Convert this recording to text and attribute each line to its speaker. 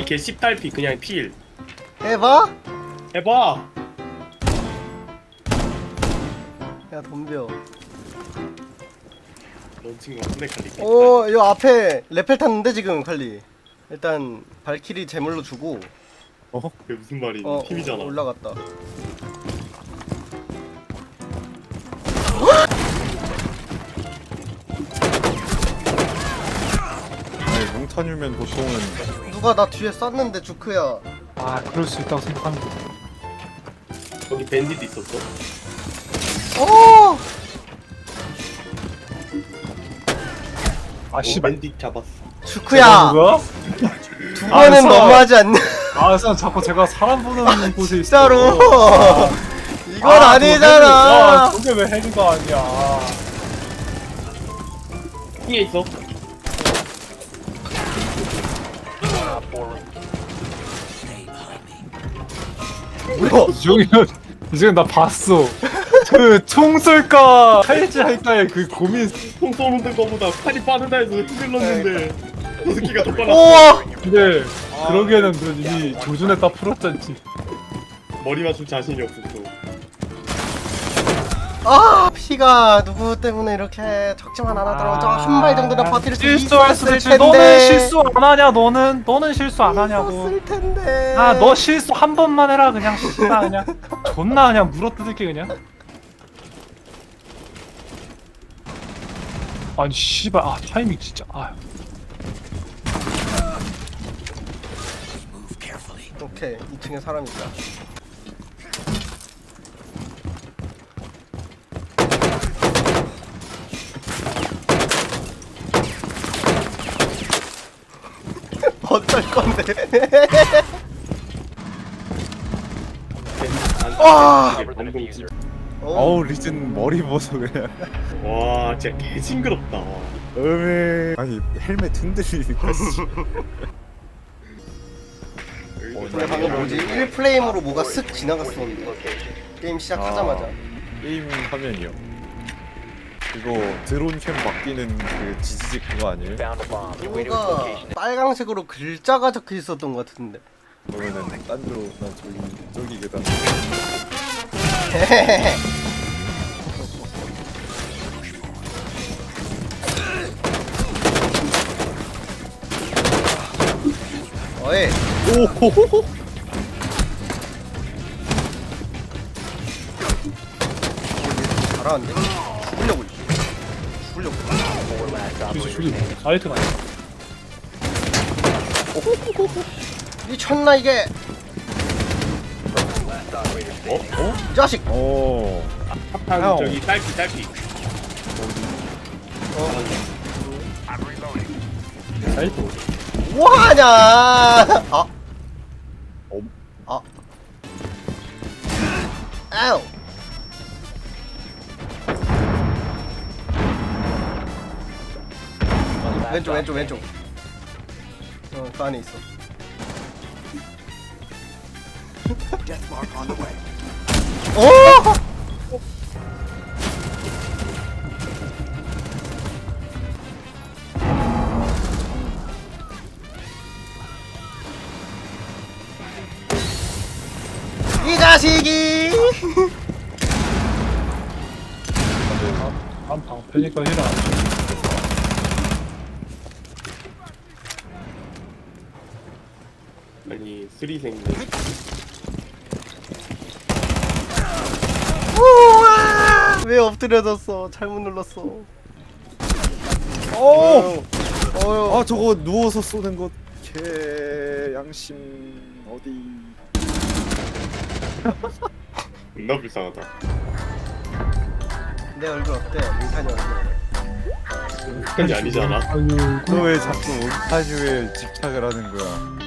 Speaker 1: 칼리 개 씹달피 그냥 필.
Speaker 2: 해봐?
Speaker 1: 해봐.
Speaker 2: 야 덤벼.
Speaker 1: 런칭 같은데 칼리.
Speaker 2: 오, 요 앞에 레펠 탔는데 지금 칼리. 일단 발키리 제물로 주고.
Speaker 1: 그게 무슨 말이니? 팀이잖아.
Speaker 2: 올라갔다.
Speaker 3: 아니 몽타뉴면 보통은
Speaker 2: 누가 나 뒤에 쐈는데 주크야.
Speaker 4: 아 그럴 수 있다고 생각하는 거.
Speaker 1: 거기 밴디도 있었어.
Speaker 2: 오!
Speaker 4: 아 씨발.
Speaker 1: 밴디 잡았어.
Speaker 2: 주크야.
Speaker 4: 뭐야?
Speaker 2: 두 번은
Speaker 4: 알았어.
Speaker 2: 너무하지 않냐?
Speaker 4: 아 선 자꾸 제가 사람 보는 곳에 있어.
Speaker 2: 진짜로. 이건 아니잖아.
Speaker 4: 야, 저게 왜 헤드가 아니야?
Speaker 1: 핑에 있어.
Speaker 2: 뭐야?
Speaker 4: 이정현 나 봤어. 그 총 쏠까 할지 할까의 그 고민.
Speaker 1: 총 쏘는 거보다 칼이 빠르다 해서 흔들렀는데 저 새끼가 더 빨랐어.
Speaker 2: 우와!
Speaker 4: 근데 그러기에는 너 이미 조준했다 풀었잖지.
Speaker 1: 머리 맞출 자신이 없었어.
Speaker 2: 아, 피가 누구 때문에 이렇게 적지만 않아도 저 한 발 정도는 버틸 수
Speaker 4: 실수할 수도
Speaker 2: 있었을
Speaker 4: 있지.
Speaker 2: 텐데.
Speaker 4: 너는 실수 안 하냐? 너는 실수 안 하냐고.
Speaker 2: 있었을 텐데.
Speaker 4: 아 너 실수 한 번만 해라 그냥 씨발 그냥 존나 그냥 물어뜯을게 그냥. 아니 씨발 아 타이밍 진짜 아.
Speaker 2: 오케이, 2층에 사람 있다. 어쩔 건데? 와!
Speaker 3: 어우 리즌 머리 보소 그냥
Speaker 1: 와 진짜 개 징그럽다.
Speaker 3: 음에 아니 헬멧 흔들리니까 씨.
Speaker 2: 근데 방금 뭐지? 1프레임으로 뭐가 쓱 지나갔었는데 게임 시작하자마자.
Speaker 3: 게임 화면이요. 이거 드론 캠 바뀌는 그 지지직 그거 아니에요?
Speaker 2: 뭔가 빨강색으로 글자가 적혀 있었던 것 같은데.
Speaker 3: 그러면은 딴 데로 난 저기 계단
Speaker 2: 어이.
Speaker 3: 오호호호
Speaker 2: 잘하는데? 죽으려고.
Speaker 4: 저기 아이트가 아니야.
Speaker 2: 미쳤나 이게? 이 자식!
Speaker 3: 오
Speaker 1: 탑탄
Speaker 3: 형.
Speaker 1: 저기 딸피.
Speaker 4: 아이트.
Speaker 2: 뭐하냐? 아.
Speaker 3: 어?
Speaker 2: 아. 아우. 왼쪽. 그 안에 있어. 오! 이 자식이!
Speaker 4: 한 방패니까 힐을 안 줘.
Speaker 1: 아니 쓰리생네.
Speaker 2: 우와! 왜 엎드려졌어? 잘못 눌렀어.
Speaker 3: 오!
Speaker 2: 어휴.
Speaker 3: 아 저거 누워서 쏘는 거 개 양심 어디
Speaker 1: 존나 불쌍하다.
Speaker 2: 내 얼굴 어때? 민찬이 얼굴.
Speaker 1: 그게 아니잖아.
Speaker 4: 아유
Speaker 3: 너 왜 자꾸 몬타주에 집착을 하는 거야?